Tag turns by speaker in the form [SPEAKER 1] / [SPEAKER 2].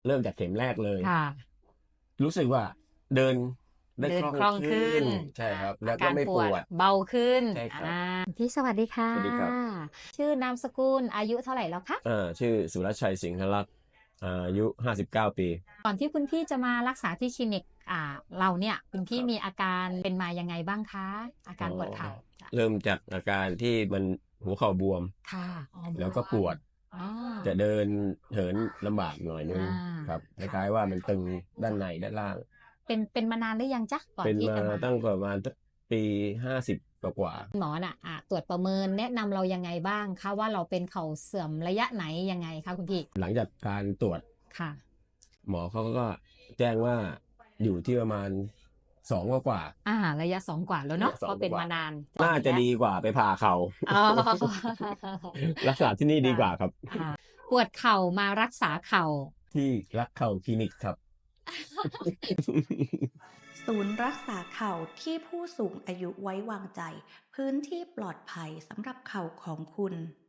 [SPEAKER 1] เริ่มจากเข็มแรกเลย
[SPEAKER 2] ค่ะ
[SPEAKER 1] รู้สึกว่าเดินได้คล่อง
[SPEAKER 2] เดินคล่อง
[SPEAKER 1] ขึ้
[SPEAKER 2] ขึ้น
[SPEAKER 1] นใช่ครับ
[SPEAKER 2] อา
[SPEAKER 1] แล้วก็
[SPEAKER 2] การปวด
[SPEAKER 1] ไม่ปวด
[SPEAKER 2] เบาขึ้น
[SPEAKER 1] ใช่ครับ
[SPEAKER 2] พี่สวัสดีค่ะ
[SPEAKER 1] สวัสดีครับ
[SPEAKER 2] ชื่อนามสกุลอายุเท่าไหร่แล้วคะ
[SPEAKER 1] ชื่อสุรชัยสิงห์รัตน์อายุ59 ปี
[SPEAKER 2] ก่อนที่คุณพี่จะมารักษาที่คลินิกเราเนี่ยคุณ
[SPEAKER 1] ค
[SPEAKER 2] พี่
[SPEAKER 1] รับ
[SPEAKER 2] มีอาการเป็นมายังไงบ้างคะอา
[SPEAKER 1] อ๋อ
[SPEAKER 2] การปวดเข่าจ้ะ
[SPEAKER 1] เริ่มจากอาการที่มันหัวเข่าบวม
[SPEAKER 2] ค่ะอ๋อบ
[SPEAKER 1] แล้วก็
[SPEAKER 2] วม
[SPEAKER 1] ปวด
[SPEAKER 2] อ๋อ
[SPEAKER 1] จะเดินเหินลำบากหน่อยนึ
[SPEAKER 2] อ่า
[SPEAKER 1] งครับค
[SPEAKER 2] ค่ะ
[SPEAKER 1] ล้ายๆว่ามันตึงด้าน
[SPEAKER 2] จ้ะ
[SPEAKER 1] ในด้านล่าง
[SPEAKER 2] เป็นมานานหรือยังจ๊ะก่อน
[SPEAKER 1] เป็นมา
[SPEAKER 2] ที่จะมา
[SPEAKER 1] ตั้งประมาณปี50กว่า
[SPEAKER 2] หมอน่ะตรวจประเมินแนะนำเรายังไงบ้างคะว่าเราเป็นเข่าเสื่อมระยะไหนยังไงคะคุณพี่
[SPEAKER 1] หลังจากการตรวจ
[SPEAKER 2] ค่ะ
[SPEAKER 1] หมอเขาก็แจ้งว่าอยู่ที่ประมาณ2 กว่า
[SPEAKER 2] ระยะ2 กว่าแล้วเนาะ
[SPEAKER 1] ระยะส
[SPEAKER 2] เพราะเป็น
[SPEAKER 1] องกว่า
[SPEAKER 2] มานาน2
[SPEAKER 1] น่าจะ
[SPEAKER 2] แล้ว
[SPEAKER 1] ดีกว่าไปผ่าเขา
[SPEAKER 2] อ๋อ
[SPEAKER 1] รักษาที่นี่ดี
[SPEAKER 2] จ้ะ
[SPEAKER 1] กว่าครับ
[SPEAKER 2] ปวดเข่ามารักษาเข่า
[SPEAKER 1] ที่รักเข่าคลินิกครับ
[SPEAKER 3] ศูนย์รักษาเข่าที่ผู้สูงอายุไว้วางใจพื้นที่ปลอดภัยสำหรับเข่าของคุณ